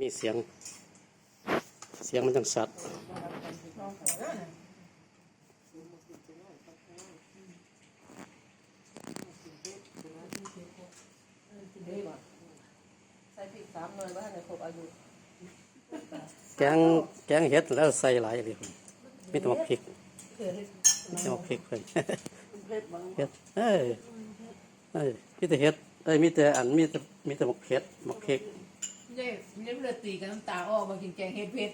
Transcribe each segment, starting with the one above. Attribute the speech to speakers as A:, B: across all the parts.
A: มีเสียงมันจังสัตว์
B: ใส่พริก3 หน่วยว่าให้ครบอายุ
A: แกงเห็ดแล้วใส่หลายเลยมีแต่หมกพริกมีแต่หมกพริกเพิ่น
B: เผ็ดบ่
A: เห็ดมีแต่เห็ดมีแต่หมกเห็ดหมกพริก
C: เย้เลือดตีกับน้ำตาออกมากินแกงเห็ดเผ็ด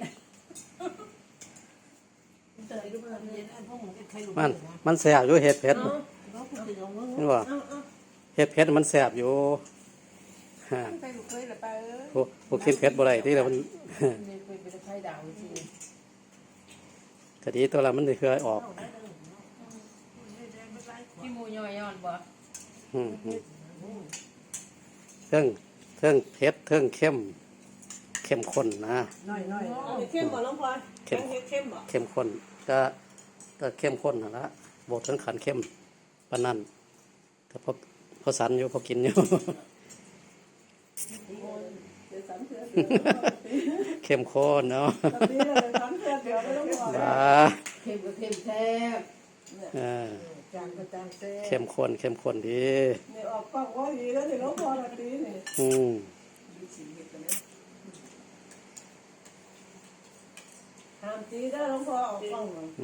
C: เตยดูมันเย็นอันพวกมันใครรู้
A: มันแสบอยู่เห็ดเผ็ดเห็นบ่เห็ดเผ็ดมันแสบอยู่ฮะ
C: ใครรู้เคยหรือเปล่า
A: พวกกินเผ็ดบ่ได้ที่แล้วมัน
C: นี่เป็นไข่ดาวจริง
A: คดีตัวละมันได้เคยออก
C: พี่มูย่อยย้อนบ่
A: เทิงเผ็ดเทิงเข้มข้นนะ
B: น้อยเข้มบ่น้องพลอยเข้มบ่
A: เข้มข้นก็เข้มข้นนั่นละบทถึงขันเข้มปานนั้นก็พอสันอยู่พอกินอยู่ เข้มข้นเนาะ
C: เข้มก็เข้มแซ่บ
B: จางก็จางแซ่บ
A: เข้มข้นดี
B: นี่ออกกล้องว่าดีแล้วนี่น้องพลอยน่ะตีนี่ห้ามตีได้น้องพลอยออกกล้อง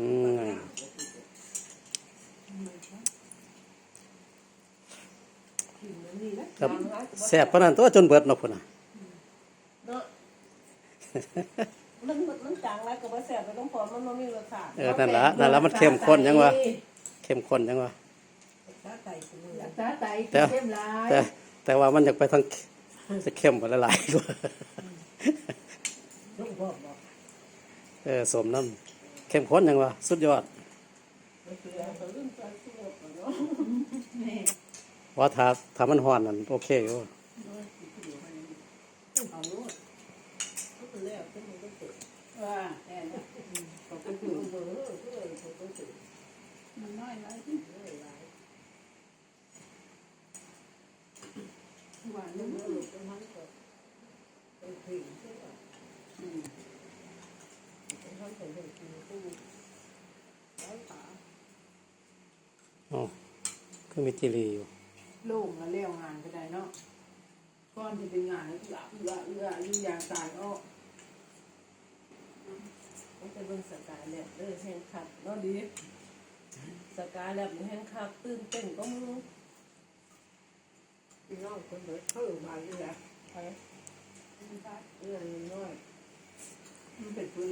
A: ครับแซ่บปานนั้นตัวจนเบิดเนาะพุ่นน่ะ
B: เนาะมันจางแล้วก็บ่แซ่บไปน้องพลอยมันบ่มีรสชาติ
A: นั่นละมันเข้มข้นยังวะเข้มข้นยังวะ
C: ตาไตเข้มหลาย
A: แต่ว่ามันอยากไปทางจะเข้มกว่าหลายๆกว่าสมน้ำเข้มข้นยังวะสุดยอดว่าถ้ามันห่อนนั่นโอเคอยู่
C: ว่าแอนมันน้อยหลายหวานเย
A: ก็มีจิรีอยู่
C: โล่งแล้วเลี้ยวงานก็ได้เนาะก้อนที่เป็นงานแล้วอย่างตายอ้อ
B: มันเป็นเบิ่งสกายแล้วเด้อแห้งคักเนาะดีสกายแล้วแห้งคักตื่นเต้นก็มึงพี่น้องคนเด้อเข้ามาอีกแล้วไปน้อยมันเป็นปุ้ย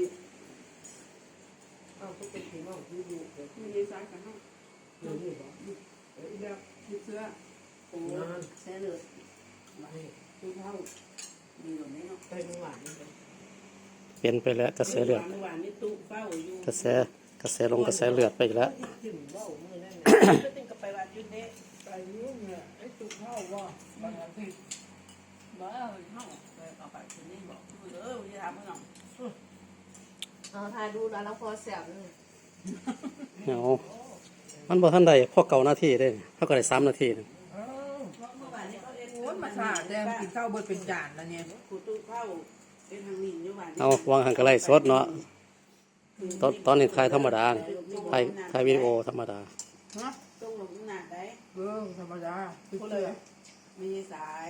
B: เอาก็เป็นพี่น้องที่อยู่เดี๋ยว
C: มีสายกันเนาะ
B: นี่บ่
C: แบบยึดเสื้อ
B: โอ้แซ่เลยดูเท่าดีกว่านี้เนาะไปหวาน
A: เปลี่ยนไปแล้วกระแสเลือด
B: หวานนี่ตู้เฝ้าอยู่
A: กระแสเลือดไปอีกแล้ว
B: จิ้มเว้ามื้อนั้นก็ตึงกับไปวัดอยู่เด้
C: ไปยุ่งเนี่ยไอ้ตุ๊กเข้าว่าบางที
B: บ่เอาเฮาไปเอาไปคืนนี้บอกอย่าถามเพิ่นเอาถ่ายดูแล้วเราพอแซ่บเลย
A: เอามันบ่ทันได้พอเก่านาทีได้เขาก็ได้3 นาทีนึง
B: เมื่อวานนี้เขาเอ็น
C: โอ้ยมาสาดแดงกินข้าวเบิดเป็นจานแล้วเนี่ย
B: กูตู้เข้าเป็นทางนี้อยู่บ้าน
A: เอาวางหันก็ไล่สดเนาะตอนนี้ถ่ายธรรมดาถ่ายวิดีโอธรรมดา
C: ฮะ
B: ต้องลงหน้าได้
C: ธรรมดา
B: คนเลยมีสาย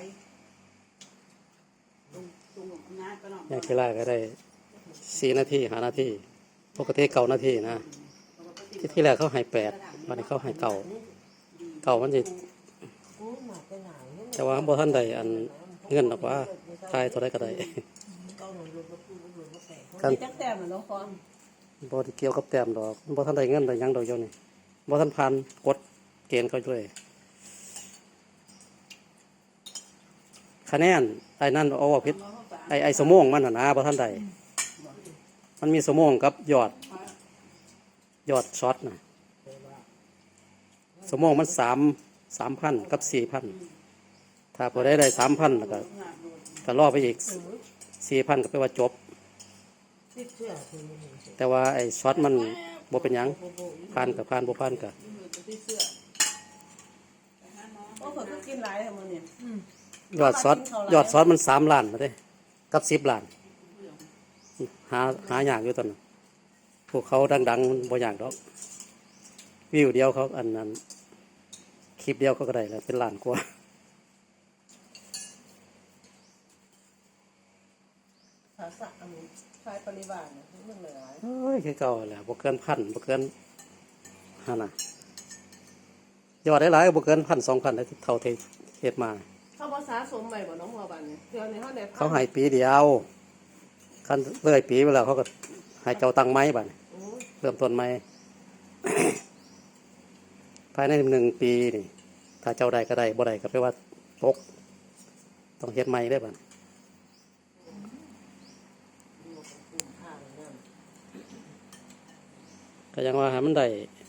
B: ตรงลงหน้าก็เนาะ
A: อย่างที่แรกก็ได้4 นาที5 นาทีปกติ9 นาทีนะที่แรกเขาให้8วันนี้เขาให้เก่ามันสิแต่ว่าบ่ทันได้อันเงินหรอกว่าถ่ายเท่าใดก็ได้กัน
B: จักแต้มน้องฟอม
A: บ่ได้เกี่ยวกับแต้มดอกบ่ทันได้เงินได้หยังดอกเดี๋ยวนี้บ่ทันผ่านกฎเกณฑ์เขาด้วยคะแนนไอ้นั่นเอาว่าผิดไอ้สมองมันน่ะนะบ่ทันได้มันมีสมองกับยอดช็อตน่ะสมองมัน3,000 กับ 4,000 ถ้าพอได้ 3,000แล้วก็รอไปอีก 4,000 ก็แปลว่าจบแต่ว่าไอ้ช็อตมันบ่เป็นหยังผ่านกับผ่านบ่ผ่านก็
B: โอ้เขาก็กินหลายมื้อนี้
A: ยอดซอสมัน3 ล้านมาเด้กับ10 ล้าน หาอย่างอยู่ตอนนั้นพวกเขาดังๆบ่อย่างดอกวิวเดียวเขาอันนั้นคลิปเดียวเขาก็ได้แล้วเป็นล้านกว่า
B: ภาษาอันนี้ชายปริวารเนี่ยเรื่องหลาย
A: เอ้ยคือเก่าแหละบ่เกินพันบ่เกินหั่นน่ะยอดหลายๆบ่เกิน1,000-2,000ได้เท่าที่เฮ็ดมา
B: เขาภาษาสมใหม่บ่น้องหัวบันเนี่ยเดี๋ยวนี้เขาได้
A: เขาให้ปีเดียวคันเลยปีไปแล้วเขาก็ให้เจ้าตังไม้บัดนี้
B: โอ้ย
A: เริ่มต้นใหม่ ภายใน1 ปีนี่ถ้าเจ้าใดก็ได้บ่ได้ก็แปลว่าตกต้องเฮ็ดใหม่ได้บัด
B: ดูกับกลุ่มข้าวเนี่ย
A: ก็ยังว่าให้มันได้